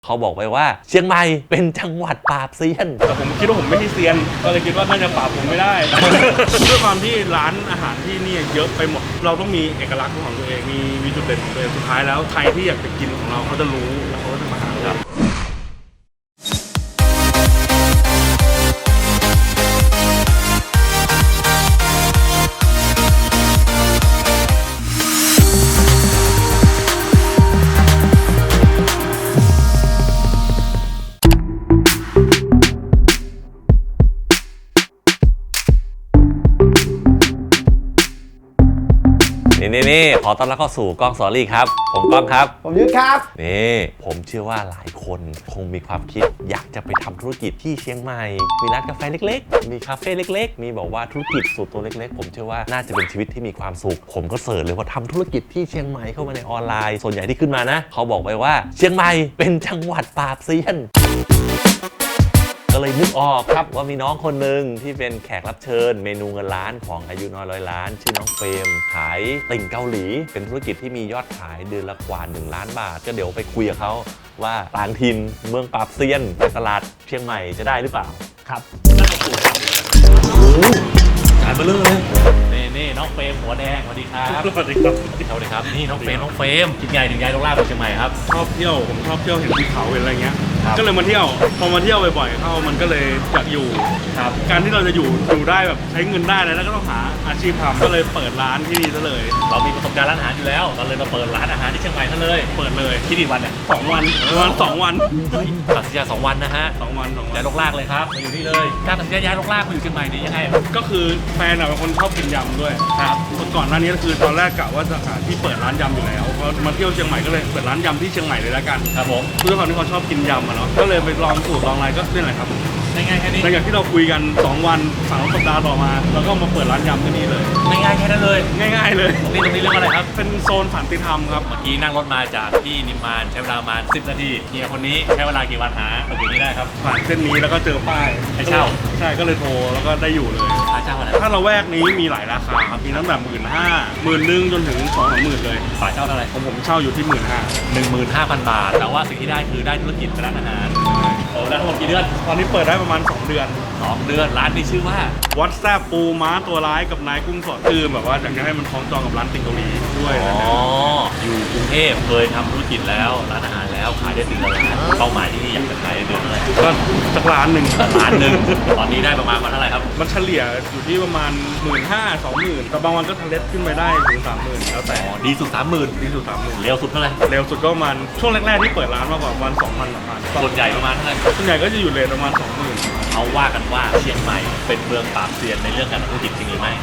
เขาบอกไปว่าเชียงใหม่เป็นจังหวัดปราบเซียนแต่ผมคิดว่าผมไม่ใช่เซียนก็เลยคิดว่าน่าจะปราบผมไม่ได้ ด้วยความที่ร้านอาหารที่นี่เยอะไปหมดเราต้องมีเอกลักษณ์ของตัวเองมีจุดเด่นของตัวเองสุดท้ายแล้วใครที่อยากจะกินของเราเขาจะรู้แล้วเขาก็จะมาหาเรานี่ขอต้อนรับเข้าสู่กล้องสอรี่ครับผมก้องครับผมยุทธครับนี่ผมเชื่อว่าหลายคนคงมีความคิดอยากจะไปทำธุรกิจที่เชียงใหม่มีร้านกาแฟเล็กๆมีคาเฟ่เล็กๆมีบอกว่าธุรกิจส่วนตัวเล็กๆผมเชื่อว่าน่าจะเป็นชีวิตที่มีความสุขผมก็เสิร์ชเลยว่าทำธุรกิจที่เชียงใหม่เข้ามาในออนไลน์ส่วนใหญ่ที่ขึ้นมานะเขาบอกไปว่าเชียงใหม่เป็นจังหวัดปราบเซียนก็เลยนึกออกครับว่ามีน้องคนหนึ่งที่เป็นแขกรับเชิญเมนูเงินล้านของอายุน้อยร้อยล้านชื่อน้องเฟรมขายติ่งเกาหลีเป็นธุรกิจที่มียอดขายเดือนละกว่า1 ล้านบาทก็เดี๋ยวไปคุยกับเขาว่าต่างถิ่นเมืองปราบเซียนในตลาดเชียงใหม่จะได้หรือเปล่าครับขายมาเรื่อยนี่น้องเฟรมหัวแดงสวัสดีครับสวัสดีครับสวัสดีครับนี่น้องเฟรมคิดไงถึงย้ายลงล่าไปเชียงใหม่ครับชอบเที่ยวผมชอบเที่ยวเห็นภูเขาเห็นอะไรเงี้ยก็เลยมาเที่ยวพอมาเที่ยวบ่อยๆเข้ามันก็เลยอยากอยู่ครับการที่เราจะอยู่ได้แบบใช้เงินได้แล้วก็ต้องหาอาชีพทำก็เลยเปิดร้านที่นี่ซะเลยเรามีประสบการณ์ร้านอาหารอยู่แล้วเราเลยมาเปิดร้านอาหารที่เชียงใหม่ซะเลยเปิดเลยคิดกี่วันเนี่ย 2 วันประมาณ2 วันตัดสินใจ2 วันนะฮะ 2 วันย้ายลงล่าเลยครับมาอยู่นี่เลยการตัดสินใจย้ายลงล่ามาอยู่เชียงใหม่นี่ยังไงก็คือแฟนเป็นคนชอบกินยำด้วยครับก่อนหน้านี้ก็คือตอนแรกกะว่าจะหาที่เปิดร้านยำอยู่แล้วพอมาเที่ยวเชียงใหม่ก็เลยเปิดร้านยำที่เชียงใหม่เลยแล้วกันครับผมด้วยความที่เขาชอบกินยำเนาะก็เลยไปลองสูตรลองอะไรก็นี่แหละครับง่ายๆแค่นี้หลังจากที่เราคุยกัน2 วัน3 สัปดาห์ต่อมาเราก็มาเปิดร้านยำที่นี่เลยง่ายๆแค่นั้นเลยง่ายๆเลยตรงนี้เรื่องอะไรครับเป็นโซนสันติธรรมครับเมื่อกี้นั่งรถมาจากที่นิมมานใช้เวลาประมาณ10 นาทีเฮียคนนี้ใช้เวลากี่วันหามาอยู่นี่ได้ครับผ่านเส้นนี้แล้วก็เจอป้ายให้เช่าใช่ก็เลยโทรแล้วก็ได้อยู่เลยค่าเช่าอะไรถ้าเราแวกนี้มีหลายราคาครับมีตั้งแต่15,000 10,000จนถึง2-30,000เลยฝ่ายเช่าเท่าไหร่ผมเช่าอยู่ที่ 15,000 บาทแต่ว่าสิ่งที่ได้คือได้ธุรกิจร้านอาหารโอ้แล้วทั้งหมดกี่เดือนตอนนี้เปิดได้ประมาณ2 เดือนร้านนี้ชื่อว่าวัดแซ่บปูม้าตัวร้ายกับนายกุ้งสดคือแบบว่าอยากจะให้มันคล้องจองกับร้านติ่งเกาหลีด้วยนะอยู่กรุงเทพเคยทำธุรกิจแล้วร้านอาหารแล้วขายได้เดือนละล้านเป้าหมายที่นี่อยากจะขายเดือนอะไรก็สัก1 ล้านตอนนี้ได้ประมาณเท่าไหร่ครับมันเฉลี่ยอยู่ที่ประมาณ15,000-20,000แต่บางวันก็ทะเลขึ้นไปได้ถึง30,000แล้วแต่ดีสุด30,000 ดีสุด30,000 เร็วสุดเท่าไหร่เร็วสุดก็ประมาณช่วงแรกๆที่เปิดร้านมากกว่าวัน2,000-3,000 ส่วนใหญ่ประมาณเท่าไหร่ส่วนใหญ่ก็จะอยู่เรทประมาณ20,000 เขาว่ากันว่าเชียงใหม่เป็นเมืองปราบเซียนในเรื่องการธุรกิจจริงหรือไม่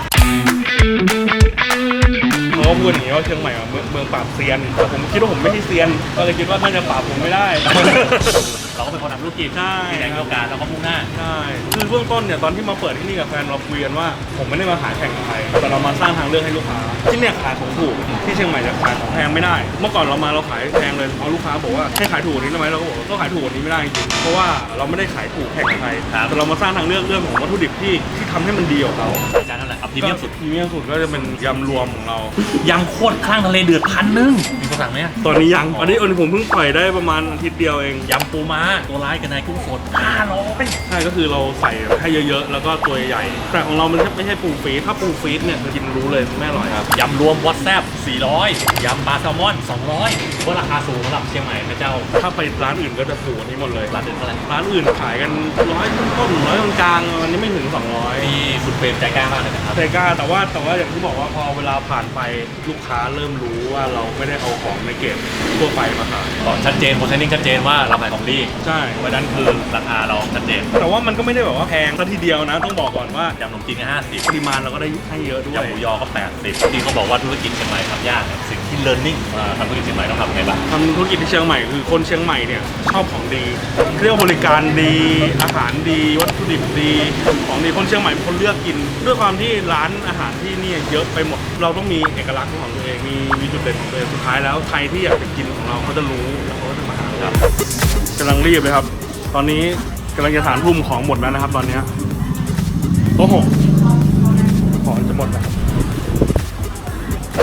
เขาพูดอย่างนี้ว่าเชียงใหม่เมืองปราบเซียนแต่ผมคิดว่าผมไม่ใช่เซียนก็เลยคิดว่าน่าจะปราบผมไม่ได้เราก็เป็นคนทำธุรกิจใช่แรงโอกาสเราก็มุ่งหน้าใช่คือเบื้องต้นเนี่ยตอนที่มาเปิดที่นี่กับแฟนเราคุยกันว่าผมไม่ได้มาขายแข่งกับใครแต่เรามาสร้างทางเลือกให้ลูกค้าที่เนี่ยขายของถูกที่เชียงใหม่จะขายของแพงไม่ได้เมื่อก่อนเราขายแพงเลยเอาลูกค้าบอกว่าให้ขายถูกนี้ได้ไหมเราก็บอกก็ขายถูกนี้ไม่ได้จริงเพราะว่าเราไม่ได้ขายถูกแข่งกับใครแต่เรามาสร้างทางเลือกเรื่องของวัตถุดิบที่ทำให้มันดีกว่าเขาจานเท่าไหร่ครับพรีเมียมสุดก็จะเป็นยำรวมของเรายำโคตรข้างทะเลเดือด1,000มีคนสั่งไหมตอนนี้ยังอันนี้ผมเพิ่งปล่อยได้ประมาณอาทิตย์เดียวเองยำปูม้าตัวร้ายกับนายกุ้งสด 500ใช่ก็คือเราใส่ให้เยอะๆแล้วก็ตัวใหญ่แต่ของเรามันไม่ใช่ปูฟีดถ้าปูฟีดเนี่ยกินรู้เลยไม่อร่อยครับยำรวมวอตแซบ400ยำปลาแซลมอน200ว่าราคาสูงสำหรับเชียงใหม่นะเจ้าถ้าไปร้านอื่นก็จะถูกกว่านี้หมดเลยร้านอื่นเท่าไหร่ร้านอื่นขายกัน100ต้น100กลางๆวันนี้ไม่ถึง200 นี่คุณเฟรมใจกล้ามากเลยนะครับใจกล้าแต่ว่าอย่างที่บอกว่าพอเวลาผ่านไปลูกค้าเริ่มรู้ว่าเราไม่ได้เอาของในเกตทั่วไปมาขายชัดเจนโพสต์นิ่งชัดเจนว่าเราขายของดีใช่เพราะนั้นคือราคาเราชัดเจนแต่ว่ามันก็ไม่ได้แบบว่าแพงซะทีเดียวนะต้องบอกก่อนว่ายำขนมจีนก็50 ปริมาณเราก็ได้ให้เยอะด้วยยำหมูยอก็80ที่เขาบอกว่าธุรกิจเชียงใหม่ทำยากสิ่งที่ learning มาทำธุรกิจเชียงใหม่ต้องทำไงบ้างทำธุรกิจที่เชียงใหม่คือคนเชียงใหม่เนี่ยชอบของดีเรียกว่าบริการดีอาหารดีวัตถุดิบดีของดีคนเชียงใหม่เป็นคนเลือกกินด้วยความที่ร้านอาหารที่นี่เยอะไปหมดเราต้องมีเอกลักษณ์ของตัวเองมีจุดเด่นของตัวเองสุดท้ายแล้วใครที่อยากจะกินของเราเขาจะรู้แล้วเขาก็จะมาหาเรากำลังรีบเลยครับตอนนี้กำลังจะ3 ทุ่มของหมดแล้วนะครับตอนนี้โต๊ะ6ของจะหมดแล้วฮัลโหล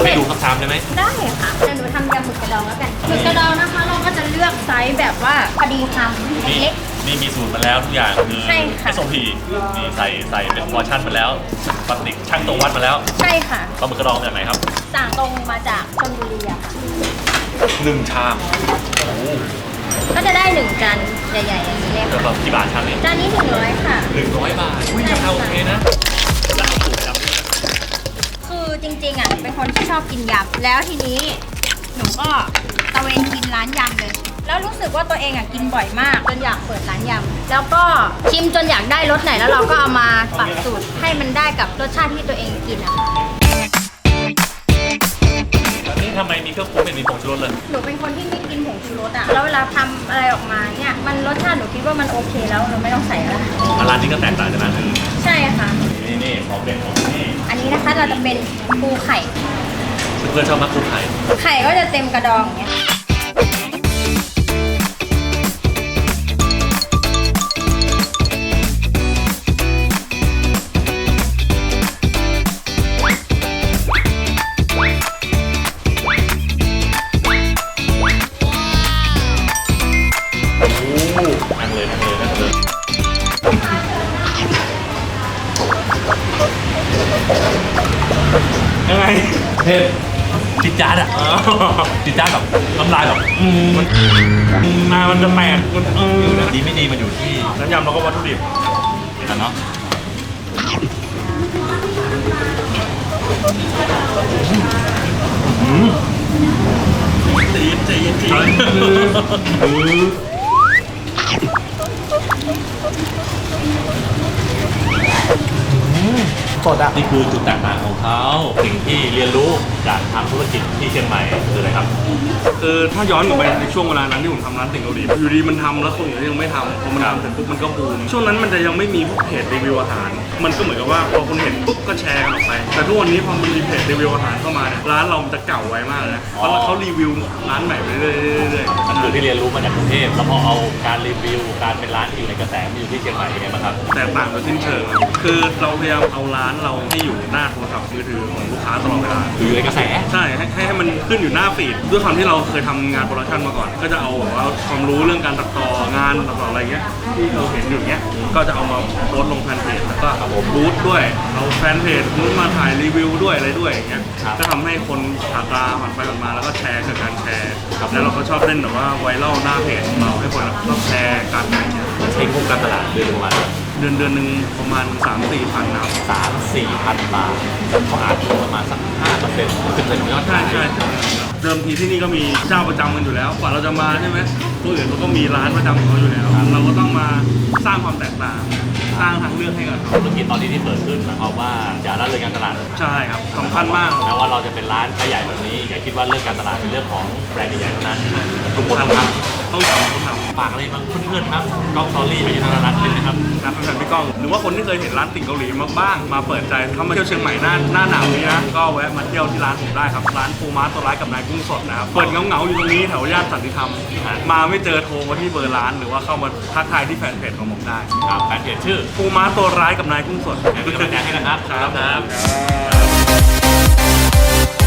ำให้ดูครับทำได้ไหมได้ค่ะเดี๋ยวหนูทำยำหมึกกระดองแล้วกันหมึกกระดองนะคะ เราก็จะเลือกไซส์แบบว่าพอดีคำนี่เล็กนี่มีสูตรมาแล้วทุกอย่างคือใช่ค่ะ SOP นี่ใส่เป็นพอร์ชั่นมาแล้วปกติช่างตรงวัดมาแล้วๆใช่ค่ะปลาหมึกกระดองจากไหนครับสั่งตรงมาจากชลบุรีอะค่ะ 1 ชามก็จะได้1จานใหญ่ๆอย่างนี้เลยแล้วค่ะก็กี่บาทชามนี้จานนี้100ค่ะ 100 บาทอุ้ยราคาโอเคนะแล้วเอาสูตรจำได้ไหมคือจริงๆอ่ะเป็นคนที่ชอบกินยำแล้วทีนี้หนูก็ตะเวนกินร้านยำเลย แล้วรู้สึกว่าตัวเองอ่ะกินบ่อยมากจนอยากเปิดร้านยำแล้วก็ชิมจนอยากได้รสไหนแล้วเราก็เอามาปรับสูตรให้มันได้กับรสชาติที่ตัวเองกินอะค่ะนี่ทำไมมีเครื่องปรุงไม่มีผงชูรสเลยหนูเป็นคนที่ไม่กินผงชูรสอ่ะแล้วเวลาทำอะไรออกมาเนี่ยมันรสชาติหนูคิดว่ามันโอเคแล้วเราไม่ต้องใส่แล้วร้านนี้ก็แตกต่างจากร้านอื่นใช่ค่ะนี่ของเด็ดของนี่อันนี้นะคะเราจะเป็นปูไข่เพื่อนๆชอบมากคุณไข่ไข่ก็จะเต็มกระดองอย่างเงี้ยนั่งเลยนั่งเลยนั่งเลยยังไงเผ็ดจิดจ้าดอ่ะจิดจ้าดแบบน้ำลายแบบมันจะแตกมันดีไม่ดีมันอยู่ที่น้ำยำเราก็วัตถุดิบกันเนาะจีสดอ่ะนี่คือจุดแตกต่างของเขาสิ่งที่เรียนรู้จากทำธุรกิจที่เชียงใหม่คืออะไรครับคือถ้าย้อนกลับไปในช่วงเวลานั้นที่ผมทำร้านติ่งเกาหลีอยู่ดีมันทำแล้วคนอื่นยังไม่ทำพอมันทำเสร็จปุ๊บมันก็บูมช่วงนั้นมันจะยังไม่มีพวกเพจรีวิวอาหาร มันก็เหมือนกับว่าพอคนเห็นปุ๊บก็แชร์กันออกไป แต่ทุกวันนี้พอมันมีเพจรีวิวอาหารเข้ามาเนี่ยร้านเรามันจะเก่าไวมากเลยนะเพราะเขารีวิวร้านใหม่ไปเรื่อยๆมันคือที่เรียนรู้มาจากกรุงเทพแล้วพอเอาการรีวิวการเป็นร้านที่อยู่ในกระแสมาอยู่ที่เชียงใหม่เป็นไงบ้างครับแตกต่างโดยสิ้นเชิงคือเราพยายามเอาร้านเราให้อยู่หน้าโทรศัพท์มือถือของลูกค้าตลอดเวลาคืออยู่ในกระแสใช่ให้มันขึ้นอยู่หน้าฟีดด้วยความที่เราเคยทำงานโปรดักชันมาก่อน ก็จะเอาแบบว่าความรู้เรื่องการตัดต่องานตัดต่ออะไรเงี้ยที่เราเห็นอยู่เงี้ยก็จะเอามาโพสต์ลงแฟนเพจแล้วก็บูธด้วยเอาแฟนเพจนู้นมาถ่ายรีวิวด้วยอะไรด้วยอย่างเงี้ยก็ทำให้คนผ่านตาผ่านไปผ่านมาแล้วก็แชร์กับการแชร์แล้วเราก็ชอบเล่นแบบว่าไวรัลหน้าเพจของเราให้คนชอบแชร์กันอะไรเงี้ยใช้งบการตลาดเดือนประมาณเดือนหนึ่งประมาณ 3-4 พันนะครับ 3-4 พันบาทเขาอาจจะประมาณสัก 5% 10%ของยอดใช่ขายใช่เดิมทีที่นี่ก็มีเจ้าประจำกันอยู่แล้วกว่าเราจะมาใช่ไหมผู้อื่นเขาก็มีร้านประจำของเขาอยู่แล้ว เราก็ต้องมาสร้างความแตกต่างสร้างทางเลือกให้กับเขาธุรกิจตอนนี้ที่เปิดขึ้นหมายความว่าอย่าละเลยการตลาดใช่ครับสำคัญมากแม้ว่าเราจะเป็นร้านขายใหญ่แบบนี้อย่าคิดว่าเรื่องการตลาดเป็นเรื่องของแบรนด์ใหญ่ๆเท่านั้นทุกคนทำครับต้องทำต้องทำฝากอะไรบ้างเพื่อนๆครับกล้องสตอรี่ไปยังทางร้านเป็นนะครับนะแฟนๆพี่ก้องหรือว่าคนที่เคยเห็นร้านติ่งเกาหลีมาบ้างมาเปิดใจเข้ามาเที่ยวเชียงใหม่หน้าหนาวนี้นะก็แวะมาเที่ยวที่ร้านผมได้ครับร้านปูม้าตัวร้ายกับนายกุ้งสดนะครับเปิดเงาๆอยู่ตรงนี้แถวย่านสันติธรรมมาไม่เจอโทรมาที่เบอร์ร้านหรือว่าเข้ามาทักทายที่แฟนเพจของผมได้ครับแฟนเพจชื่อปูม้าตัวร้ายกับนายกุ้งสดเป็นกำลังใจให้นะครับครับ